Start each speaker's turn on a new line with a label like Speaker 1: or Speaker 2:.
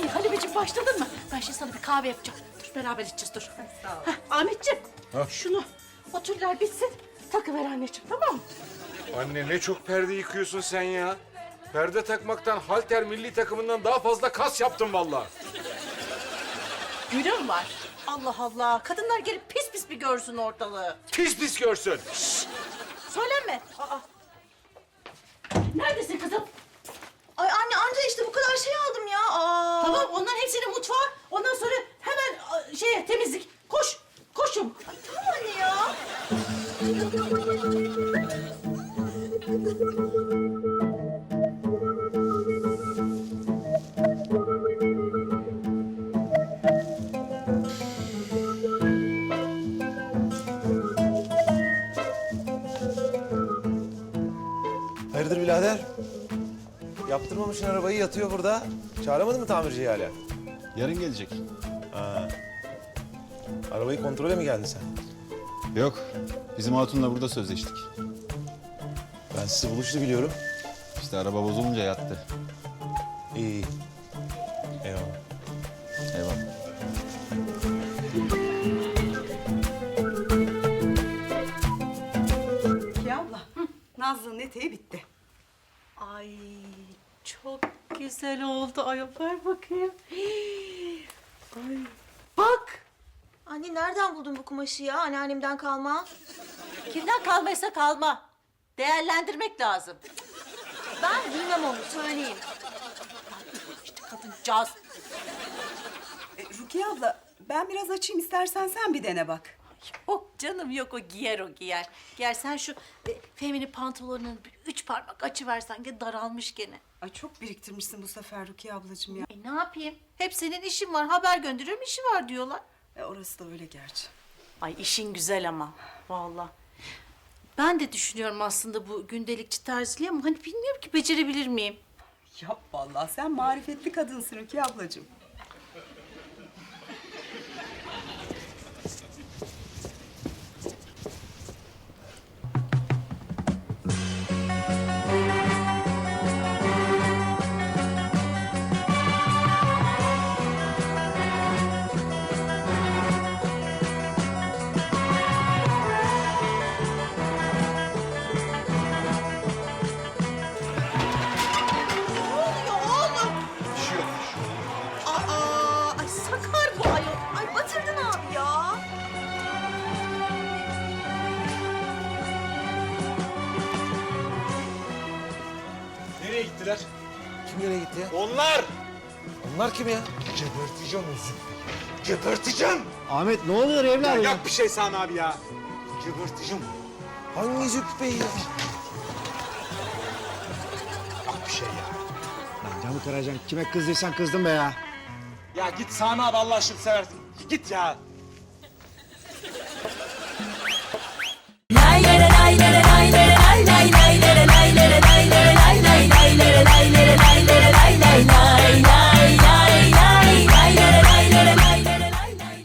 Speaker 1: Halimeciğim başladın mı? Ben şimdi sana bir kahve yapacağım. Dur beraber içeceğiz dur.
Speaker 2: Sağ ol.
Speaker 1: Ahmetciğim
Speaker 3: Ha?
Speaker 1: şunu o tüller bitsin takıver anneciğim tamam mı?
Speaker 3: Anne ne çok perde yıkıyorsun sen ya. Perde takmaktan halter milli takımından daha fazla kas yaptım vallahi.
Speaker 1: Günüm var. Allah Allah. Kadınlar gelip pis pis bir görsün ortalığı.
Speaker 3: Pis pis görsün.
Speaker 1: Söylenme. Aa. Neredesin kızım?
Speaker 2: Ay anne anca işte bu kadar şey aldım ya. Aa.
Speaker 1: Tamam onların hepsini mutfağa. Ondan sonra hemen şeye temizlik. Koş. Koşun.
Speaker 2: Ay, tamam anne ya.
Speaker 4: Hayırdır birader? Yaptırmamışsın arabayı, yatıyor burada. Çağıramadın mı tamirciyi hala?
Speaker 5: Yarın gelecek.
Speaker 4: Arabayı kontrole mi geldin sen?
Speaker 5: Yok. Bizim hatunla burada sözleştik.
Speaker 4: Ben sizi buluştu biliyorum.
Speaker 5: İşte araba bozulunca yattı.
Speaker 4: İyi, iyi. Eyvallah.
Speaker 5: Eyvallah.
Speaker 6: Rukiye abla, Nazlı'nın eteği bitti.
Speaker 1: Ay çok güzel oldu. Ay ver bakayım. Ay bak.
Speaker 2: Anne nereden buldun bu kumaşı ya? Anneannemden kalma.
Speaker 1: Kimden kalmaysa kalma. Değerlendirmek lazım.
Speaker 2: Ben bilmem onu söyleyeyim.
Speaker 1: İşte kadıncağız.
Speaker 6: Rukiye abla, ben biraz açayım istersen sen bir dene bak.
Speaker 1: Yok canım yok o giyer o giyer. Giyer sen şu Fehmi'nin pantolonunun bir 3 parmak açıversen ki daralmış gene.
Speaker 6: Ay çok biriktirmişsin bu sefer Rukiye ablacığım ya.
Speaker 1: Ne yapayım? Hep senin işin var haber gönderiyorum işi var diyorlar.
Speaker 6: Orası da öyle gerçi.
Speaker 1: Ay işin güzel ama vallahi. Ben de düşünüyorum aslında bu gündelikçi terziliği ama hani bilmiyorum ki becerebilir miyim?
Speaker 6: Yap vallahi sen marifetli kadınsın Rukiye ablacığım.
Speaker 2: Aa, ay sakar bu ayol. Ay batırdın abi ya.
Speaker 3: Nereye gittiler?
Speaker 4: Kim nereye gitti ya?
Speaker 3: Onlar!
Speaker 4: Onlar kim ya?
Speaker 3: Geberteceğim o züppeyi. Geberteceğim!
Speaker 5: Ahmet ne oluyor evladım?
Speaker 3: Yap bir şey Sami abi ya. Geberteceğim.
Speaker 4: Hangi Züppe ya?
Speaker 3: Yap bir şey ya.
Speaker 7: Lan camı kıracaksın. Kime kızdıysan kızdın be ya.
Speaker 3: Ya git Sami abi Allah aşkına seversin. Git ya.